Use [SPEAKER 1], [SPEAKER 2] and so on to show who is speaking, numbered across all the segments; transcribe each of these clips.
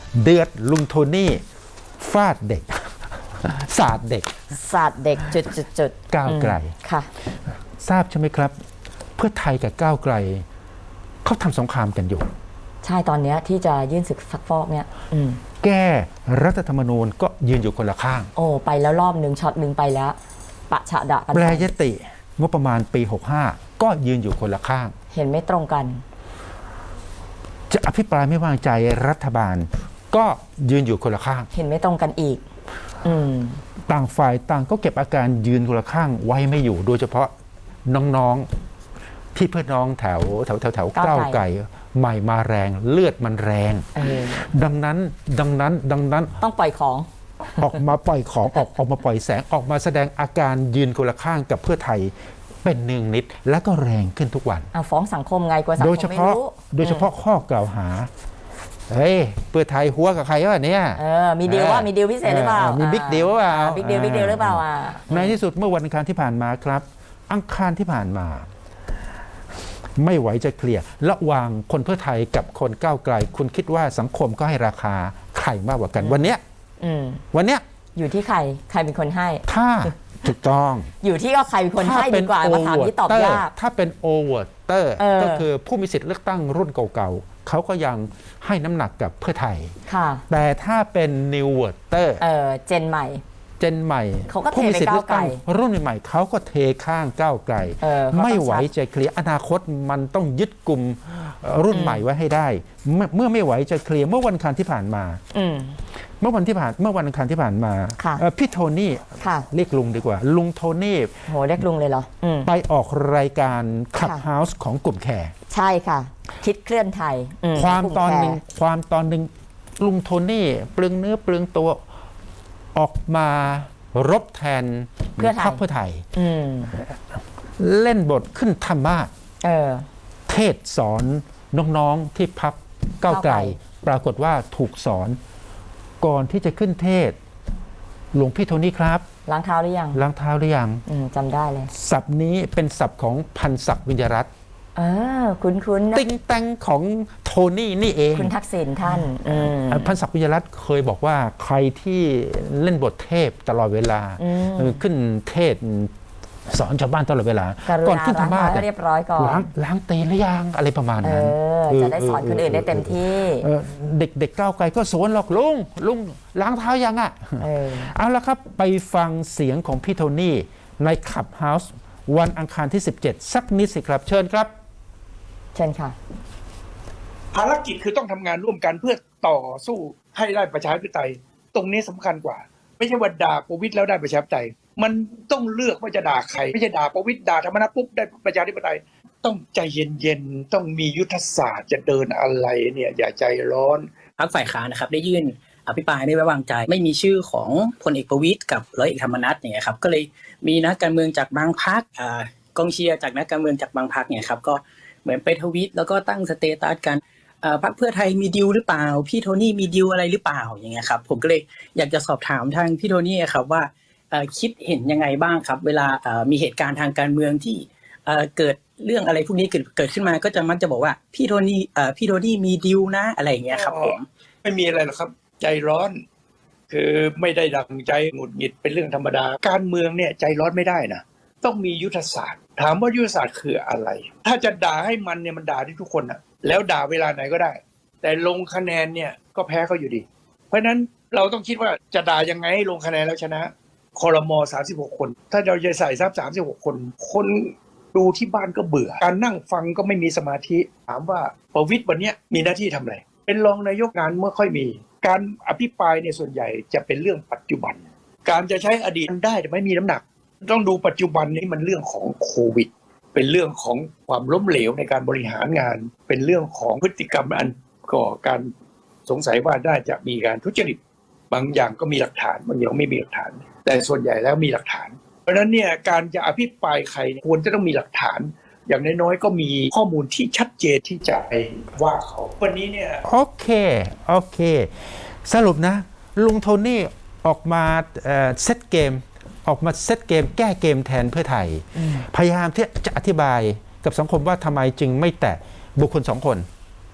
[SPEAKER 1] เดือดลุงโทนี่ฟาดเด็ก สาดเด็ก
[SPEAKER 2] จุด
[SPEAKER 1] ก้าวไกล
[SPEAKER 2] ค่ะ
[SPEAKER 1] ทราบใช่ไหมครับเพื่อไทยกับก้าวไกลเขาทำสงครามกันอยู่
[SPEAKER 2] ใช่ตอนนี้ที่จะยื่นศึกซักฟอกเนี่ย
[SPEAKER 1] แก้รัฐธรรมนูญก็ยืนอยู่คนละข้าง
[SPEAKER 2] โอ้ไปแล้วรอบหนึ่งช็อตหนึ่งไปแล้วปะฉะดะกัน
[SPEAKER 1] แปรยติงบประมาณปี65ก็ยืนอยู่คนละข้าง
[SPEAKER 2] เห็นไม่ตรงกัน
[SPEAKER 1] จะอภิปรายไม่วางใจรัฐบาลก็ยืนอยู่คนละข้าง
[SPEAKER 2] เห็นไม่ตรงกันอีก
[SPEAKER 1] ต่างฝ่ายต่างก็เก็บอาการยืนคนละข้างไว้ไม่อยู่โดยเฉพาะน้องๆที่เพื่อนน้องแถวก้าวไกลใหม่มาแรงเลือดมันแรงดังนั้น
[SPEAKER 2] ต้องปล่อยของ
[SPEAKER 1] ออกมาปล่อยของออกมาปล่อยแสงออกมาแสดงอาการยืนคนละข้างกับเพื่อไทยเป็นเนืองนิดและก็แรงขึ้นทุกวัน
[SPEAKER 2] ฟ้องสังคมไงกว่าสังคมไม่รู้
[SPEAKER 1] โดยเฉพาะข้อกล่าวหาเฮ้ยเพื่อไทยหัวกับใครวะเนี่ย
[SPEAKER 2] มีดีลว่ามีดีลพิเศษหรือเปล่า
[SPEAKER 1] มีบิ๊กดีลว่า
[SPEAKER 2] บิ๊กดีลหรือเปล่า
[SPEAKER 1] ในที่สุดเมื่อวันอังคารที่ผ่านมาครับอังคารที่ผ่านมาไม่ไหวจะเคลียร์ระหว่างคนเพื่อไทยกับคนก้าวไกลคุณคิดว่าสังคมก็ให้ราคาใครมากกว่ากันวันเนี้ย
[SPEAKER 2] อยู่ที่ใครเป็นคนให้
[SPEAKER 1] ถ้าถูกต้อง
[SPEAKER 2] อยู่ที่ว่าใครเป็นคนให้ดีกว่ามาถามที่ตอบยาก
[SPEAKER 1] ถ้าเป็นโอเวอร์เตอร์ก็คือผู้มีสิทธิ์เลือกตั้งรุ่นเก่าๆเขาก็ยังให้น้ำหนักกับเพื่อไทยแต่ถ้าเป็นนิวเวอร์เตอร์
[SPEAKER 2] เจนใหม่
[SPEAKER 1] ผู้มีสิทธิ์เลือกตั้งรุ่นใหม่เขาก็เทข้างก้าวไกลไม่ไหวจะเคลียร์อนาคตมันต้องยึดกลุ่มรุ่นใหม่ไว้ให้ได้เมื่อไม่ไหวจะเคลียร์เมื่อวันอังคารที่ผ่านมาเมื่อวันอังคารที่ผ่านมาพี่โทนี่เรียกลุงดีกว่าลุงโทนี่
[SPEAKER 2] โหเรียกลุงเลยเหรอ
[SPEAKER 1] ไปออกรายการขับเฮาส์ของกลุ่มแขก
[SPEAKER 2] ใช่ค่ะคิดเคลื่อนไทย
[SPEAKER 1] ความตอนหนึ่งลุงโทนี่เปลืองเนื้อเปลืองตัวออกมารบแทนพรรคเพื่อไทยเล่นบทขึ้นธรรมาสเทศสอนน้องๆที่พรรคก้าวไกลปรากฏว่าถูกสอนก่อนที่จะขึ้นเทศหลวงพี่โทนี่ครับ
[SPEAKER 2] ล้างเท้าหรือยังจำได้เลย
[SPEAKER 1] ศัพท์นี้เป็นศัพท์ของพันศักดิ์วิญญารัตน์
[SPEAKER 2] คุ้น
[SPEAKER 1] ติงแตงของโทนี่นี่เอง
[SPEAKER 2] คุณทักษิณท่าน
[SPEAKER 1] พันศักดิ์วิญญารัตน์เคยบอกว่าใครที่เล่นบทเทพตลอดเวลาขึ้นเทศสอนชาวบ้านตลอดเวลาก่อนขึ้นธรรมาส
[SPEAKER 2] เรียบร้อยก่อน
[SPEAKER 1] ล้างตีนหรือยังอะไรประมาณนั้น
[SPEAKER 2] จะได้สอนคนอื่นได้เต็มที่
[SPEAKER 1] เด็กก้าวไกลก็สวนหรอกลุงล้างเท้ายังเอาละครับไปฟังเสียงของพี่โทนี่ในขับเฮาส์วันอังคารที่17สักนิดสิครับเชิญครับ
[SPEAKER 2] เชิญค่ะ
[SPEAKER 3] ภารกิจคือต้องทำงานร่วมกันเพื่อต่อสู้ให้ได้ประชาธิปไตยตรงนี้สำคัญกว่าไม่ใช่ว่าด่าประวิตรแล้วได้ประชาธิปไตยมันต้องเลือกว่าจะด่าใครไม่ใช่ด่าประวิตรด่าธรรมนัสปุ๊บได้ประชาธิปไตยต้องใจเย็นๆต้องมียุทธศาสตร์จะเดินอะไรเนี่ยอย่าใจร้อน
[SPEAKER 4] พรรคฝ่ายค้านนะครับได้ยื่นอภิปรายไม่ไว้วางใจไม่มีชื่อของพลเอกประวิตรกับร้อยเอกธรรมนัสเนี่ยครับก็เลยมีนักการเมืองจากบางพรรคกองเชียร์จากนักการเมืองจากบางพรรคเนี่ยครับก็เหมือนไปทวีตแล้วก็ตั้งสเตตัสกันพรรคเพื่อไทยมีดีลหรือเปล่าพี่โทนี่มีดีลอะไรหรือเปล่าอย่างเงี้ยครับผมก็เลยอยากจะสอบถามทางพี่โทนี่ครับว่าคิดเห็นยังไงบ้างครับเวลามีเหตุการณ์ทางการเมืองที่เกิดเรื่องอะไรพวกนี้เกิดขึ้นมาก็จะมักจะบอกว่าพี่โทนี่มีดีลนะอะไรอย่างเงี้ยครับผม
[SPEAKER 3] ไม่มีอะไรหรอกครับใจร้อนคือไม่ได้ดังใจหงุดหงิดเป็นเรื่องธรรมดาการเมืองเนี่ยใจร้อนไม่ได้นะต้องมียุทธศาสตร์ถามว่ายุทธศาสตร์คืออะไรถ้าจะด่าให้มันเนี่ยมันด่าได้ทุกคนนะแล้วด่าเวลาไหนก็ได้แต่ลงคะแนนเนี่ยก็แพ้เขาอยู่ดีเพราะฉะนั้นเราต้องคิดว่าจะด่ายังไงให้ลงคะแนนแล้วชนะครม36คนถ้าเราจะใส่ซับ36คนดูที่บ้านก็เบื่อการนั่งฟังก็ไม่มีสมาธิถามว่าประวิตรวันนี้มีหน้าที่ทำอะไรเป็นรองนายกงานเมื่อค่อยมีการอภิปรายในส่วนใหญ่จะเป็นเรื่องปัจจุบันการจะใช้อดีตได้แต่ไม่มีน้ำหนักต้องดูปัจจุบันนี้มันเรื่องของโควิดเป็นเรื่องของความล้มเหลวในการบริหารงานเป็นเรื่องของพฤติกรรมอันก่อการสงสัยว่าน่าจะมีการทุจริตบางอย่างก็มีหลักฐานบางอย่างไม่มีหลักฐานแต่ส่วนใหญ่แล้วมีหลักฐานเพราะฉะนั้นเนี่ยการจะอภิปรายใครควรจะต้องมีหลักฐานอย่างน้อยๆก็มีข้อมูลที่ชัดเจนที่จะไปว่าเขาวันนี้เนี่ย
[SPEAKER 1] โอเคสรุปนะลุงโทนี่ออกมาเซตเกมแก้เกมแทนเพื่อไทยพยายามที่จะอธิบายกับสังคมว่าทำไมจึงไม่แตะบุคคล2 คน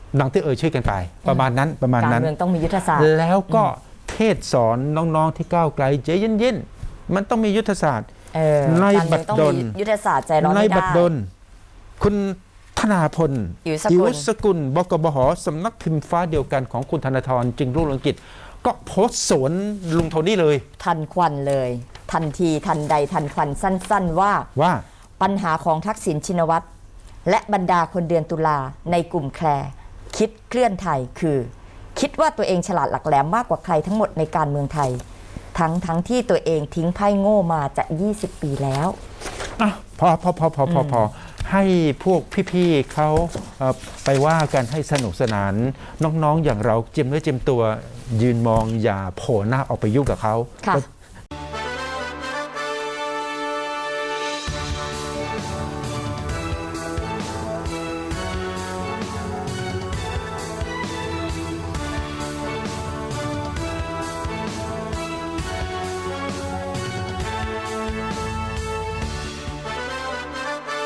[SPEAKER 1] ดังที่ชื่อกันไป ประมาณนั้นประมาณ
[SPEAKER 2] การ
[SPEAKER 1] นั้น
[SPEAKER 2] เมืองต้องมียุทธศาสตร์
[SPEAKER 1] แล้วก็เทศสอนน้องๆที่ก้าวไกลใจเย็นๆมันต้องมียุทธศาสตร์ ใน
[SPEAKER 2] การเมื
[SPEAKER 1] บั
[SPEAKER 2] อง
[SPEAKER 1] ด
[SPEAKER 2] ต้อง
[SPEAKER 1] ดล
[SPEAKER 2] มียุทธศาสตร์ใจร้อน
[SPEAKER 1] ใน
[SPEAKER 2] ไม่
[SPEAKER 1] บัด
[SPEAKER 2] ได้
[SPEAKER 1] ดลคุณธนาพล
[SPEAKER 2] อิ๋วสกุล
[SPEAKER 1] สกุลบกบหสำนักพิมพ์ฟ้าเดียวกันของคุณธนาธรจึงรุ่งเรืองกิจก็โพสต์สวนลุงโทนี่เลย
[SPEAKER 2] ทันควันเลย ทันทีทันใดทันควันสั้นๆว่า
[SPEAKER 1] ว่า
[SPEAKER 2] ปัญหาของทักษิณชินวัตรและบรรดาคนเดือนตุลาในกลุ่มแคร์คิดเคลื่อนไทยคือ คิดว่าตัวเองฉลาดหลักแหลมมากกว่าใครทั้งหมดในการเมืองไทย ทั้งที่ตัวเองทิ้งไพ่โง่มาจะ 20 ปีแล้ว
[SPEAKER 1] อ่ะพอให้พวกพี่ๆเขาไปว่ากันให้สนุกสนานน้องๆอย่างเราเจียมเนื้อเจียมตัวยืนมองอย่าโผล่หน้าออกไปยุ่งกับเขา
[SPEAKER 2] ค่ะ
[SPEAKER 1] ก็